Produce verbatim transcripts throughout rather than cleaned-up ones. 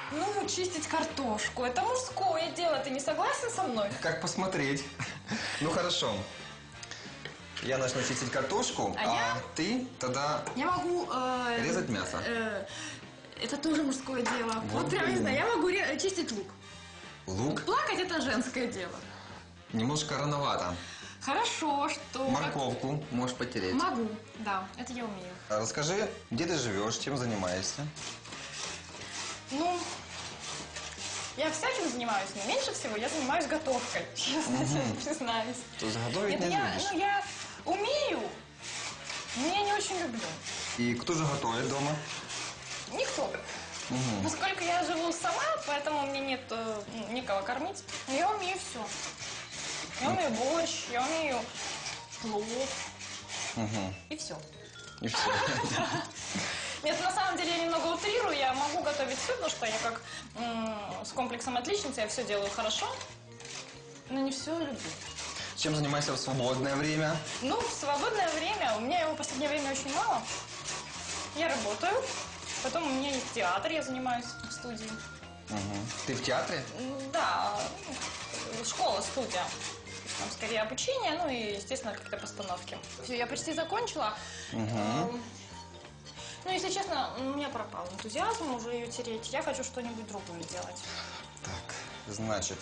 Ну, чистить картошку. Это мужское дело. Ты не согласен со мной? Как посмотреть? Ну, хорошо. Я начну чистить картошку, а, а я... ты тогда я могу, э... резать мясо. Э... Это тоже мужское дело. Вот, вот прям не знаю, я могу ре... чистить лук. Лук? Плакать это женское дело. Немножко рановато. Хорошо, что... Морковку можешь потереть. Могу, да, это я умею. Расскажи, где ты живешь, чем занимаешься? Ну, я всяким занимаюсь, но меньше всего я занимаюсь готовкой, честно угу. признаюсь. То есть готовить это не я, любишь? Ну, я умею, но я не очень люблю. И кто же готовит дома? Никто. Угу. Поскольку я живу сама, поэтому мне нет э, никого кормить. Но я умею все. Я умею борщ, я умею плов. Угу. И все. И все. Нет, на самом деле я немного утрирую, я могу готовить все, потому что я как м, с комплексом отличницы, я все делаю хорошо, но не все люблю. Чем занимаешься в свободное время? Ну, в свободное время, у меня его в последнее время очень мало. Я работаю, потом у меня есть театр, я занимаюсь в студии. Угу. Ты в театре? Да, школа, студия. Там скорее обучение, ну и, естественно, какие-то постановки. Все, я почти закончила. Угу. Ну, если честно, у меня пропал энтузиазм уже ее тереть. Я хочу что-нибудь другое делать. Так, значит,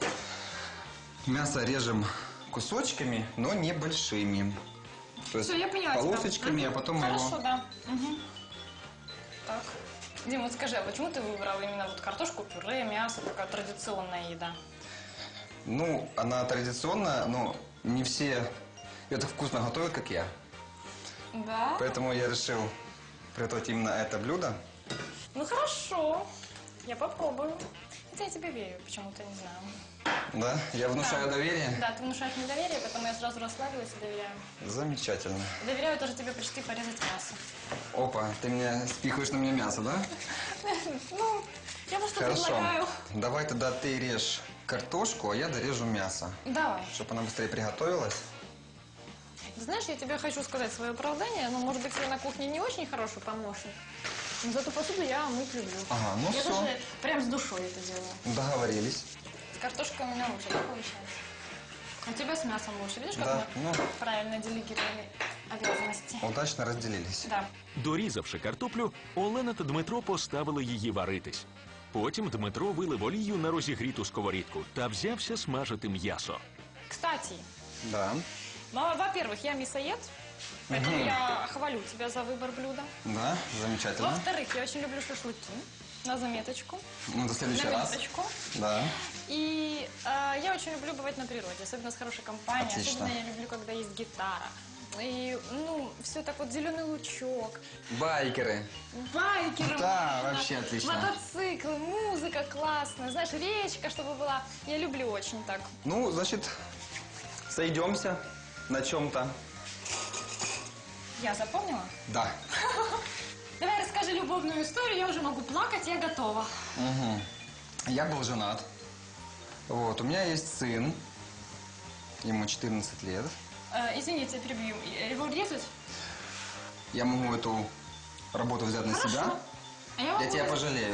мясо режем кусочками, но небольшими. То есть Все, я поняла полосочками, тебя. а потом Хорошо, его... да. Угу. Так. Дим, вот скажи, а почему ты выбрал именно вот картошку, пюре, мясо, такая традиционная еда? Ну, она традиционная, но не все ее так вкусно готовят, как я. Да? Поэтому я решил приготовить именно это блюдо. Ну, хорошо. Я попробую. Хотя я тебе верю, почему-то, не знаю. Да? Я внушаю да. доверие? Да, ты внушаешь мне доверие, поэтому я сразу расслабилась и доверяю. Замечательно. Доверяю тоже тебе почти порезать мясо. Опа, ты меня спихиваешь на меня мясо, да? Ну, я просто Хорошо. предлагаю. Давай тогда ты режь картошку, а я дорежу мясо. Давай. Чтобы она быстрее приготовилась. Знаешь, я тебе хочу сказать свое оправдание, но, может быть, я на кухне не очень хороший помощник. Но зато посуду я мыть люблю. Ага, ну я все. даже прям с душой это делаю. Договорились. С картошкой у меня лучше, да, получается? У тебя с мясом лучше. Видишь, как да, мы ну, правильно делегировали обязанности? Удачно розділились. Да. Дорізавши картоплю, Олена та Дмитро поставили її варитись. Потім Дмитро вилив олію на розігріту сковорідку та взявся смажити м'ясо. Кстати, Да. ну, во-первых, я мясоед, поэтому Мгм. я хвалю тебя за выбор блюда. Да, замечательно. Во-вторых, я очень люблю шашлыки. На заметочку. Ну, до следующий на раз. минуточку. Да. И э, я очень люблю бывать на природе, особенно с хорошей компанией. Отлично. Особенно я люблю, когда есть гитара. И, ну, все так вот, зеленый лучок, Байкеры. байкеры, Да, мо- вообще отлично. мотоциклы, музыка классная, знаешь, речка, чтобы была. Я люблю очень так. Ну, значит, сойдемся на чем-то. Я запомнила? Да. Давай расскажи любовную историю, я уже могу плакать, я готова. Угу. Я был женат. Вот, у меня есть сын. Ему четырнадцать лет. Э, извините, я перебью. Его резать? Я могу эту работу взять на Хорошо. себя. А я Я могу тебя резать. пожалею.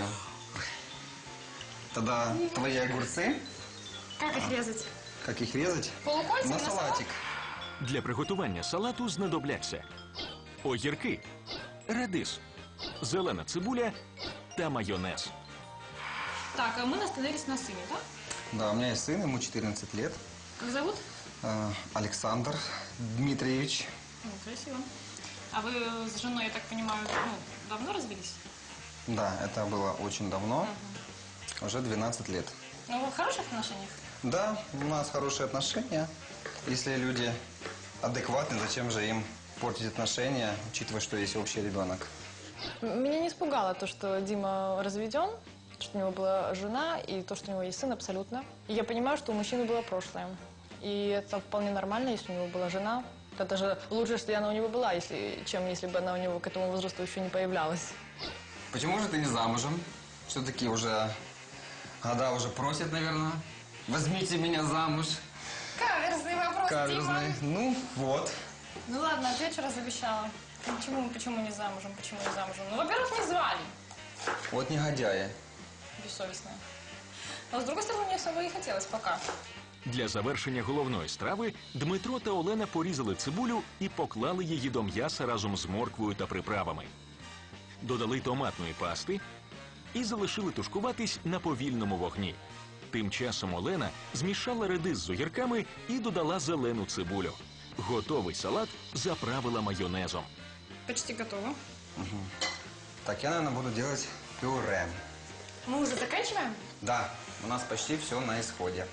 Тогда твои огурцы, Как их резать? как их резать? Полукольцами На на салат? салатик. Для приготування салату знадобляться огірки, редис, зелена цибуля та майонез. Так, а мы остановились на сыне, да? Да, у меня есть сын, ему четырнадцать лет. Как зовут? Э, Александр Дмитриевич. Ну, красиво. А вы с женой, я так понимаю, ну, давно развелись? Да, это было очень давно. Угу. Уже двенадцать лет. Ну, вы в хороших отношениях? Да, у нас хорошие отношения. Если люди адекватны, зачем же им портить отношения, учитывая, что есть общий ребенок? Меня не испугало то, что Дима разведен, что у него была жена и то, что у него есть сын, абсолютно. И я понимаю, что у мужчины было прошлое. И это вполне нормально, если у него была жена. Это даже лучше, если она у него была, если, чем если бы она у него к этому возрасту еще не появлялась. Почему же ты не замужем? Все-таки уже года уже просят, наверное. Возьмите меня замуж. Каверзный вопрос, Каверзный. Дима. Ну, вот. Ну ладно, отвечу, раз обещала. Почему, почему не замужем, почему не замужем? Ну, во-первых, не звали. Вот негодяи. бессовестные. Но, с другой стороны, мне особо и хотелось пока. Для завершення головної страви Дмитро та Олена порізали цибулю і поклали її до м'яса разом з морквою та приправами. Додали томатної пасти і залишили тушкуватись на повільному вогні. Тим часом Олена змішала редис з огірками і додала зелену цибулю. Готовий салат заправила майонезом. Почти готово. Так, я, наверное, буду делать пюре. Мы уже заканчиваем? Да, у нас почти все на исходе.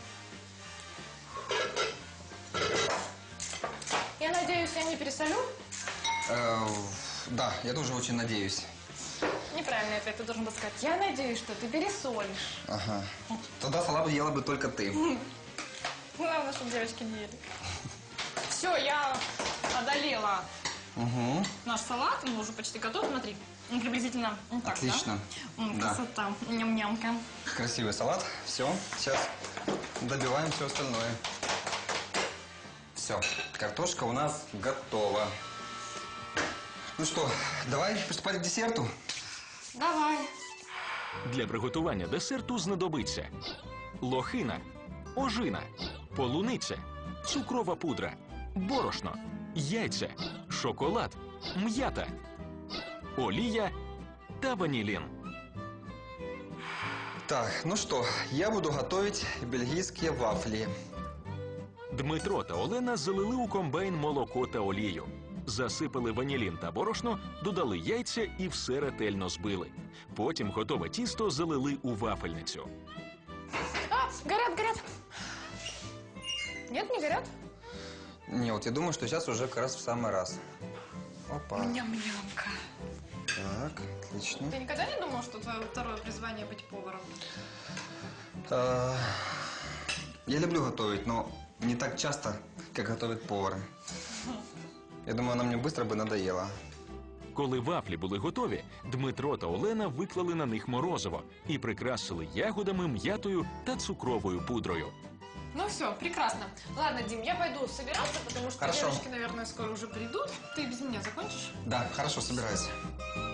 Я надеюсь, я не пересолю? Э, да, я тоже очень надеюсь. Неправильный ответ, ты должен был сказать. Я надеюсь, что ты пересолишь. Ага. Тогда салат ела бы только ты. Главное, чтобы девочки не ели. Все, я одолела Угу. наш салат. Он уже почти готов. Смотри, он приблизительно вот так, Отлично. да? М, Да. Красота. Ням-нямка. Красивый салат. Все, сейчас добиваем все остальное. Все, картошка у нас готова. Ну что, давай приступать к десерту. Давай. Для приготування десерту знадобиться лохина, ожина, полуниця, цукрова пудра, борошно, яйця, шоколад, м'ята, олія та ванілін. Так, ну что, я буду готовить бельгийские вафли. Дмитро та Олена залили у комбайн молоко та олію. Засипали ванілін та борошно, додали яйця і все ретельно збили. Потім готове тісто залили у вафельницю. А, горят, горят. Нет, не горят? Не, вот я думаю, что сейчас уже как раз в самый раз. Опа. Ням-нямка. Так, отлично. Ты никогда не думал, что твое второе призвание быть поваром? А, я люблю готовить, но не так часто, как готовят повары. Я думаю, она мне быстро бы надоела. Коли вафлі були готові, Дмитро та Олена виклали на них морозиво і прикрасили ягодами, м'ятою та цукровою пудрою. Ну все, прекрасно. Ладно, Дим, я пойду собираться, потому что Хорошо. девочки, наверное, скоро уже придут. Ты без меня закончишь? Да, хорошо, собирайся.